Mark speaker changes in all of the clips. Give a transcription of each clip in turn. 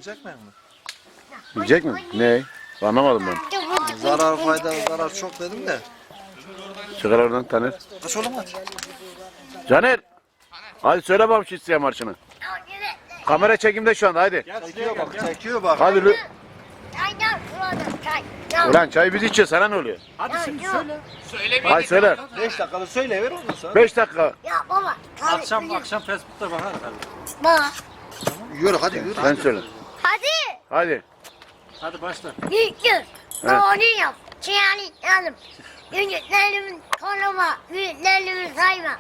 Speaker 1: Yiyecek mi?
Speaker 2: Yiyecek mi? Ne? Anlamadım ben.
Speaker 1: Zarar fayda zarar çok dedim de.
Speaker 2: Çıkar oradan Taner.
Speaker 1: Kaç oğlum hadi.
Speaker 2: Caner. Hadi söyle bakalım şu isteyen marşını. Kamera çekimde şu anda hadi.
Speaker 1: Çekiyor bak çekiyor bak.
Speaker 2: Hadi lü.
Speaker 3: Çaydan çay.
Speaker 2: Ulan çayı biz içiyoruz sana ne oluyor?
Speaker 1: Hadi şimdi söyle.
Speaker 2: Hadi söyle.
Speaker 1: 5 dakikada söyle ver ondan sonra.
Speaker 2: 5 dakika.
Speaker 3: Ya baba.
Speaker 4: Akşam Facebook'ta bakar tabii.
Speaker 3: Baba.
Speaker 1: Yürü hadi yürü.
Speaker 2: Sen söyle.
Speaker 3: Hadi.
Speaker 2: Hadi.
Speaker 4: Hadi başla.
Speaker 3: Büyüktür. Doğru yap. Çiğani yanım. Büyüklerimin koruma. Büyüklerimin sayma.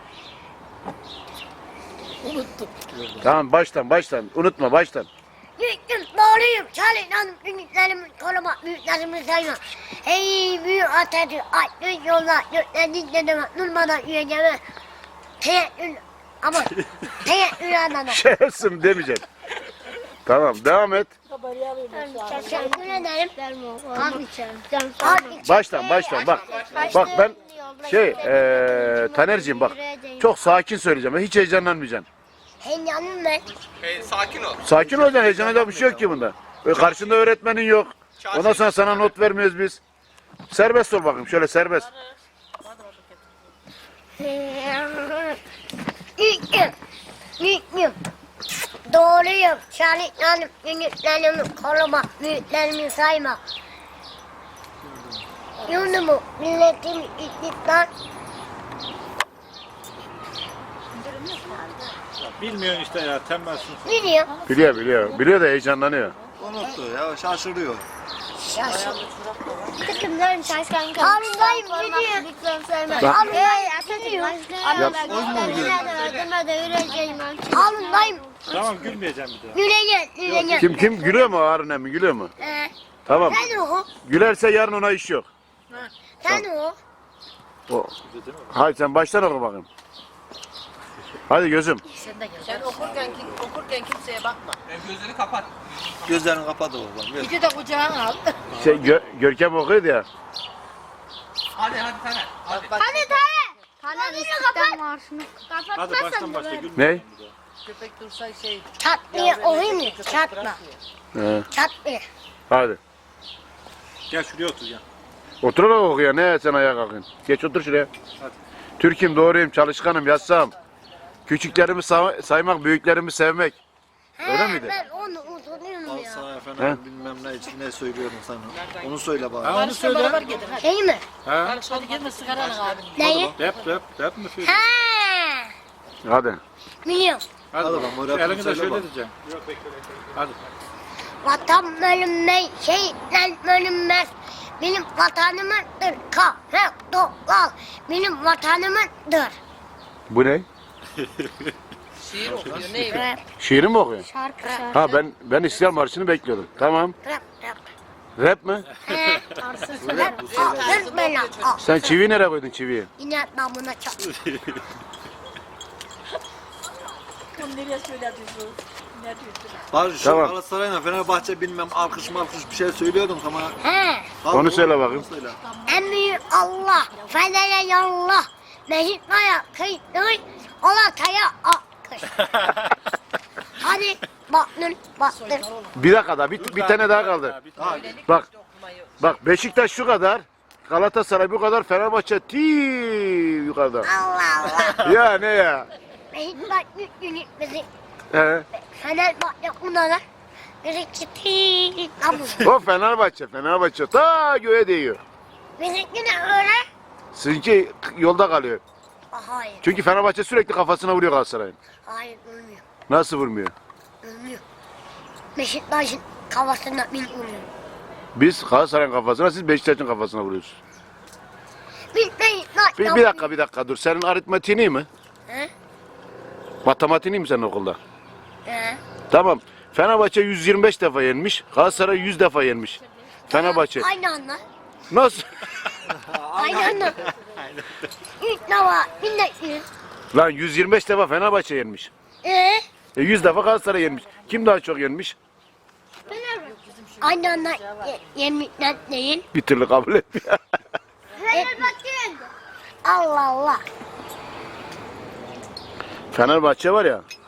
Speaker 2: Tamam baştan. Unutma baştan.
Speaker 3: Büyüktür. Doğruyum. Çalışanım. Büyüklerimin koruma. Büyüklerimi sayma. Ey büyük Atatürk. Aydın yollar. Göklerin dedeme. Durmadan yürüyeceğime. Teyettür. Ama teyettür adamım.
Speaker 2: Şerefsin demeyeceksin. Tamam devam et.
Speaker 3: Teşekkür ederim.
Speaker 2: Baştan bak. Bak ben Taner'cim bak. Çok sakin söyleyeceğim. Hiç heyecanlanmayacaksın.
Speaker 3: Heyecanım ben.
Speaker 5: Sakin ol.
Speaker 2: Sakin olacaksın. Heyecanlanacak bir şey yok ki bunda. Karşında öğretmenin yok. Ondan sonra sana not vermiyoruz biz. Serbest ol bakayım. Şöyle serbest.
Speaker 3: Büyüklüğüm. Doğruyum. Çalışkanım. Büyüklerimi koruma. Büyüklerimi sayma. Yurdumu, milletimi, istiklal.
Speaker 4: Bilmiyorsun işte ya tembelsin.
Speaker 3: Biliyorum.
Speaker 2: Biliyor da heyecanlanıyor.
Speaker 1: Unuttu ya şaşırıyor.
Speaker 3: Takımların şaşkın kalmış. Alındayım biliyorum. Alındayım.
Speaker 4: Tamam gülmeyeceğim bir daha.
Speaker 3: Gülecek.
Speaker 2: Kim gülüyor mu Harun emmi gülüyor mu? Tamam.
Speaker 3: Sen o.
Speaker 2: Gülerse yarın ona iş yok.
Speaker 3: Sen o.
Speaker 2: Hadi sen baştan oku bakayım. Hadi gözüm.
Speaker 6: Sen okurken kimseye bakma.
Speaker 5: Gözlerini kapat.
Speaker 1: Gözlerini kapat oğlum. Ver.
Speaker 6: Bir de kucağına al.
Speaker 2: Görkem okuyordu ya.
Speaker 5: Hadi Taner. Hadi.
Speaker 3: Hadi Tayyip. Taner istiklal marşını
Speaker 4: Hadi baştan başla gülmeyeceğim
Speaker 2: Ne?
Speaker 4: bir daha.
Speaker 6: Köpek dursa şey.
Speaker 3: Çatmıyor oyun mu? Çatma.
Speaker 2: He,
Speaker 3: Çatmıyor.
Speaker 2: hadi.
Speaker 4: Gel şuraya otur ya.
Speaker 2: Oturarak oku ya. Ne sen ayağa kalkın. Geç otur şuraya.
Speaker 4: Hadi.
Speaker 2: Türk'üm, doğruyum, çalışkanım, yassam. Küçüklerimi saymak, büyüklerimi sevmek. Öyle miydi?
Speaker 3: Ben onu unutuyorum
Speaker 1: Al
Speaker 3: ya.
Speaker 1: sana efendim bilmem ne için ne söylüyorum sana. Onu söyle bana.
Speaker 4: Ha onu söyle.
Speaker 6: Beraber gidin hadi.
Speaker 3: Şey mi?
Speaker 4: Ha?
Speaker 6: Hadi gelme sigaranı abi.
Speaker 3: Neyi?
Speaker 4: Rap mi söyle?
Speaker 3: Ha.
Speaker 2: Hadi.
Speaker 3: Biliyorum.
Speaker 4: Hadi
Speaker 1: Hadi
Speaker 4: bakalım.
Speaker 1: lan,
Speaker 4: Şu
Speaker 1: rap
Speaker 4: elini de
Speaker 1: söyle
Speaker 4: şöyle
Speaker 1: bak.
Speaker 4: diyeceğim. Hadi.
Speaker 3: Vatan bölünmez, şehitler bölünmez. Benim vatanımdır. Kahve topal. Benim vatanımdır.
Speaker 2: Bu ne?
Speaker 6: Şiir okuyor ne?
Speaker 3: Rap,
Speaker 2: Şiiri mi okuyor?
Speaker 3: şarkı.
Speaker 2: Ha ben İstiklal Marşı'nı bekliyordum. Tamam.
Speaker 3: Rap.
Speaker 2: Rap mi?
Speaker 3: He. Rap. Alır bela. Al.
Speaker 2: Sen çiviyi nereye koydun çiviyi?
Speaker 3: Yine damına çak.
Speaker 6: Bunu nereye söylüyorsun? Ne diyorsun?
Speaker 1: Bari şu
Speaker 2: Tamam.
Speaker 1: Galatasaray'la Fenerbahçe bilmem alkış bir şey söylüyordum ama.
Speaker 3: He.
Speaker 2: Onu söyle bakayım.
Speaker 1: Söyle.
Speaker 3: En büyük Allah. Federe yallah. Mehitmaya kıytır. Olataya akış. Hadi. Baktın.
Speaker 2: Bir dakika daha. Bir tane daha kaldı. Bak Beşiktaş şu kadar. Galatasaray bu kadar. Fenerbahçe yukarıda.
Speaker 3: Allah Allah.
Speaker 2: Ya ne ya?
Speaker 3: Mehitmaya yük bizi.
Speaker 2: He.
Speaker 3: Fenerbahçe bunlara. Bizimki
Speaker 2: O Fenerbahçe ta göğe değiyor.
Speaker 3: Bizimki de öyle.
Speaker 2: Sizinki yolda kalıyor.
Speaker 3: Hayır.
Speaker 2: Çünkü Fenerbahçe sürekli kafasına vuruyor Galatasaray'ın.
Speaker 3: Hayır ölmüyor.
Speaker 2: Nasıl vurmuyor?
Speaker 3: Ölmüyor. Beşiktaş'ın kafasına bin vuruyor.
Speaker 2: Biz Galatasaray'ın kafasına, siz Beşiktaş'ın kafasına vuruyorsunuz. Bir dakika dur. Senin aritmatiğin iyi mi?
Speaker 3: He?
Speaker 2: Matematiğin iyi mi senin okulda?
Speaker 3: He?
Speaker 2: Tamam. Fenerbahçe 125 defa yenmiş. Galatasaray 100 defa yenmiş. Fenerbahçe.
Speaker 3: Aynı anda.
Speaker 2: Nasıl?
Speaker 3: Aynı anda. İlk defa 1900.
Speaker 2: Lan 125 defa Fenerbahçe yenmiş. 100 defa Galatasaray yenmiş. Kim daha çok yenmiş?
Speaker 3: Aynı anda yemekler değil.
Speaker 2: Bir türlü kabul etmiyor.
Speaker 3: Allah Allah.
Speaker 2: Fenerbahçe var ya,